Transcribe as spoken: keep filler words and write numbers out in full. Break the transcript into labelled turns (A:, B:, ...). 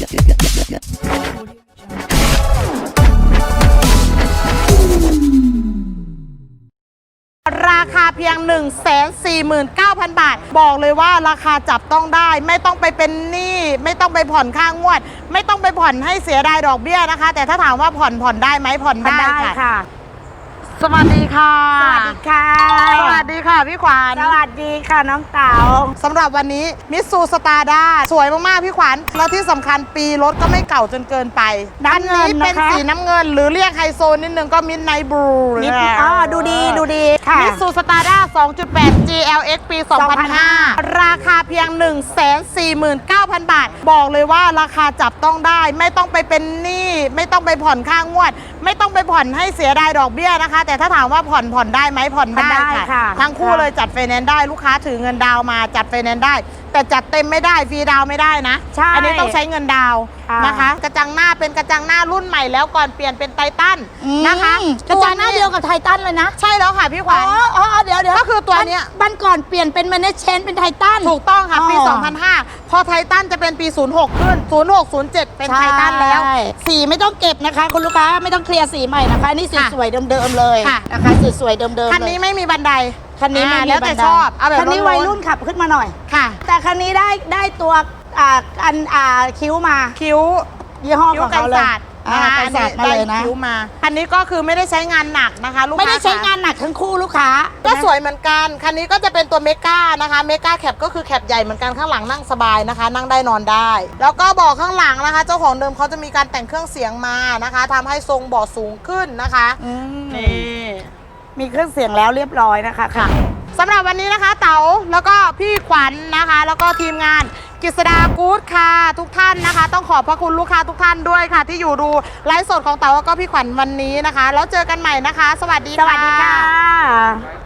A: ราคาเพียง หนึ่งแสนสี่หมื่นเก้าพัน บาทบอกเลยว่าราคาจับต้องได้ไม่ต้องไปเป็นหนี้ไม่ต้องไปผ่อนค่างวดไม่ต้องไปผ่อนให้เสียดายดอกเบี้ยนะคะแต่ถ้าถามว่าผ่อนผ่อนได้ไหมผ่อนได้ค่ะสวัสดีค่ะ
B: สวัสดีค่ะ
A: สวัสดีค่ะพี่ขวัญ
B: สวัสดีค่ะน้องเต๋า
A: สำหรับวันนี้มิตซูสตาร์ด้าสวยมากๆพี่ขวัญแล้วที่สำคัญปีรถก็ไม่เก่าจนเกินไปอันนี้เป็นสีน้ำเงินหรือเรียกไฮโซนิดนึงก็มิดไนท์บลู
B: มิดอ๋อดูดีดูดีค่ะ
A: มิตซูสตาร์ด้า สองจุดแปด จี แอล เอ็กซ์ ปี สองพันห้า ราคาเพียง หนึ่งแสนสี่หมื่นเก้าพัน บาทบอกเลยว่าราคาจับต้องได้ไม่ต้องไปเป็นหนี้ไม่ต้องไปผ่อนค่างวดไม่ต้องไปผ่อนให้เสียดายดอกเบี้ยนะคะแต่ถ้าถามว่าผ่อนผ่อนได้ไหมผ่อนได้ค่ะทั้งคู่เลยจัดไฟแนนซ์ได้ลูกค้าถือเงินดาวมาจัดไฟแนนซ์ได้แต่จัดเต็มไม่ได้ฟรีดาวไม่ได้นะอันนี้ต้องใช้เงินดาวนะคะกระจังหน้าเป็นกระจังหน้ารุ่นใหม่แล้วก่อนเปลี่ยนเป็นไททันนะคะ
B: กระจังหน้าเดียวกับไททันเลยนะ
A: ใช่แล้วค่ะพี่ขวัญ
B: อ๋อเดี๋ยวเดี๋ยว
A: ก็คือตัวเนี้ย
B: บันก่อนเปลี่ยนเป็นแมเนจเชนเป็นไททัน
A: ถูกต้องค่ะปี สองพันห้า พอไททันจะเป็นปี ศูนย์หก ขึ้น ศูนย์หก ศูนย์เจ็ด เป็นไททันแล้ว
B: สีไม่ต้องเก็บนะคะคุณลูกค้าไม่ต้องเคลียร์สีใหม่นะคะนี่สีสวยเดิมๆเลยนะคะสีสวยเดิมๆเลย
A: คันนี้ไม่มีบันได
B: คันนี้ไม่มี
A: แล้วแต่ชอบเอาแบบ
B: คันนี้วัยรุ่นขับขึ้นมาหน่อย
A: ค่ะ
B: แต่คันนี้ได้ได้ตัวอ่าอันอ่าคิ้วมา
A: คิ้ว
B: ยี่ห้อของเขาเลย
A: อ่ากันศาสตร์มาเลยนะคิ้วมาคันนี้ก็คือไม่ได้ใช้งานหนักนะคะลูกค้า
B: ไม่ได้ใช้งานหนักทั้งคู่ลูกค้า
A: ก็สวยเหมือนกันคันนี้ก็จะเป็นตัวเมกานะคะเมกาแคปก็คือแคปใหญ่เหมือนกันข้างหลังนั่งสบายนะคะนั่งได้นอนได้แล้วก็เบาะข้างหลังนะคะเจ้าของเดิมเขาจะมีการแต่งเครื่องเสียงมานะคะทำให้ทรงเบาะสูงขึ้นนะคะ
B: นี่มีเครื่องเสียงแล้วเรียบร้อยนะคะค่ะ
A: สำหรับวันนี้นะคะเต๋าแล้วก็พี่ขวัญ นะคะแล้วก็ทีมงานกฤษดากู๊ดค่ะทุกท่านนะคะต้องขอบพระคุณลูกค้าทุกท่านด้วยค่ะที่อยู่ดูไลฟ์สดของเต๋าแล้วก็พี่ขวัญวันนี้นะคะแล้วเจอกันใหม่นะคะสวัสดีค่ะ
B: สวัสดีค่ะ